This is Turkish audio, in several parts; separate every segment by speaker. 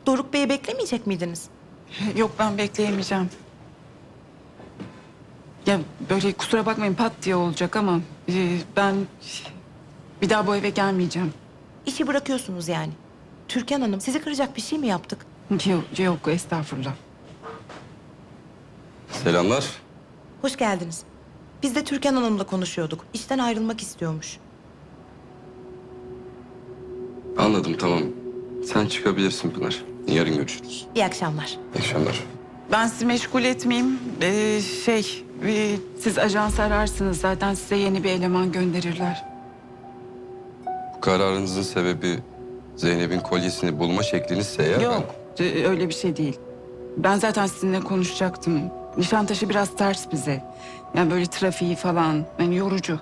Speaker 1: Doruk Bey'i beklemeyecek miydiniz?
Speaker 2: Yok, ben bekleyemeyeceğim. Ya böyle kusura bakmayın, pat diye olacak ama ben bir daha bu eve gelmeyeceğim.
Speaker 1: İşi bırakıyorsunuz yani. Türkan Hanım, sizi kıracak bir şey mi yaptık?
Speaker 2: Yok, estağfurullah.
Speaker 3: Selamlar.
Speaker 1: Hoş geldiniz. Biz de Türkan Hanım'la konuşuyorduk. İşten ayrılmak istiyormuş.
Speaker 3: Anladım, tamam. Sen çıkabilirsin Pınar. Yarın görüşürüz.
Speaker 1: İyi akşamlar.
Speaker 3: İyi akşamlar.
Speaker 2: Ben sizi meşgul etmeyeyim. Siz ajans ararsınız. Zaten size yeni bir eleman gönderirler.
Speaker 3: Bu kararınızın sebebi Zeynep'in kolyesini bulma şeklinizse eğer...
Speaker 2: Yok, öyle bir şey değil. Ben zaten sizinle konuşacaktım. Nişantaşı biraz ters bize. Yani böyle trafiği falan, yani yorucu.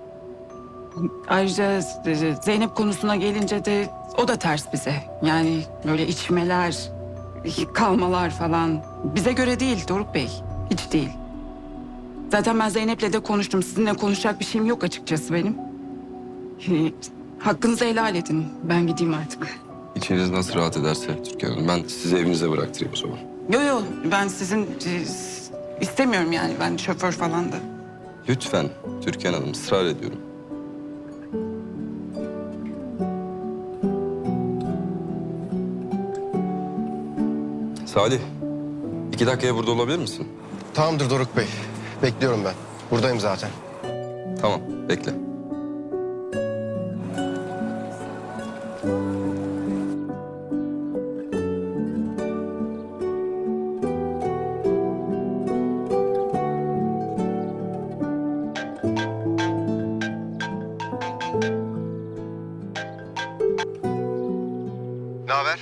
Speaker 2: Ayrıca Zeynep konusuna gelince de o da ters bize. Yani böyle içmeler, kalmalar falan. Bize göre değil Doruk Bey, hiç değil. Zaten ben Zeynep'le de konuştum. Sizinle konuşacak bir şeyim yok açıkçası benim. Hakkınızı helal edin. Ben gideyim artık.
Speaker 3: İçiniz nasıl rahat ederse Türkan Hanım. Ben sizi evinize bıraktırayım o zaman.
Speaker 2: Yok, ben sizin istemiyorum yani. Ben şoför falan da.
Speaker 3: Lütfen Türkan Hanım, ısrar ediyorum. Salih, 2 dakikaya burada olabilir misin?
Speaker 4: Tamamdır Doruk Bey. Bekliyorum ben. Buradayım zaten.
Speaker 3: Tamam, bekle.
Speaker 4: Ne haber?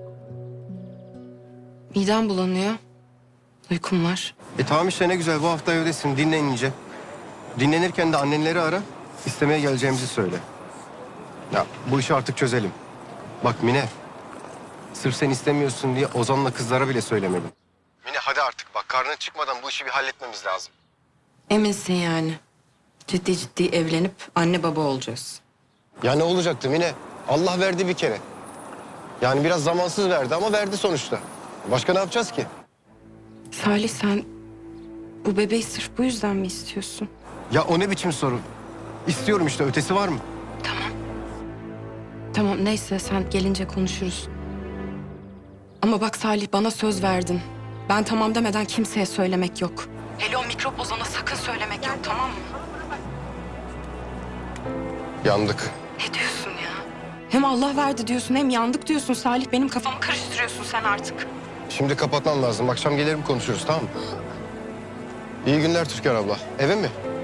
Speaker 5: Midem bulanıyor. Uykum var.
Speaker 4: Tamam işte ne güzel. Bu hafta evdesin. Dinlen iyice. Dinlenirken de annenleri ara. İstemeye geleceğimizi söyle. Ya bu işi artık çözelim. Bak Mine. Sırf sen istemiyorsun diye Ozan'la kızlara bile söylemedim. Mine hadi artık bak. Karnın çıkmadan bu işi bir halletmemiz lazım.
Speaker 5: Eminsin yani. Ciddi ciddi evlenip anne baba olacağız.
Speaker 4: Ya ne olacaktı Mine? Allah verdi bir kere. Yani biraz zamansız verdi ama verdi sonuçta. Başka ne yapacağız ki?
Speaker 5: Salih, sen bu bebeği sırf bu yüzden mi istiyorsun?
Speaker 4: Ya o ne biçim soru? İstiyorum işte. Ötesi var mı?
Speaker 5: Tamam, neyse, sen gelince konuşuruz. Ama bak Salih, bana söz verdin. Ben tamam demeden kimseye söylemek yok. Hele o mikrop Ozan'a sakın söylemek yok, tamam mı?
Speaker 4: Yandık.
Speaker 5: Ne diyorsun ya? Hem Allah verdi diyorsun hem yandık diyorsun Salih. Benim kafamı karıştırıyorsun sen artık.
Speaker 4: Şimdi kapatmam lazım. Akşam gelirim konuşuruz tamam mı? İyi günler Türkan abla. Eve mi?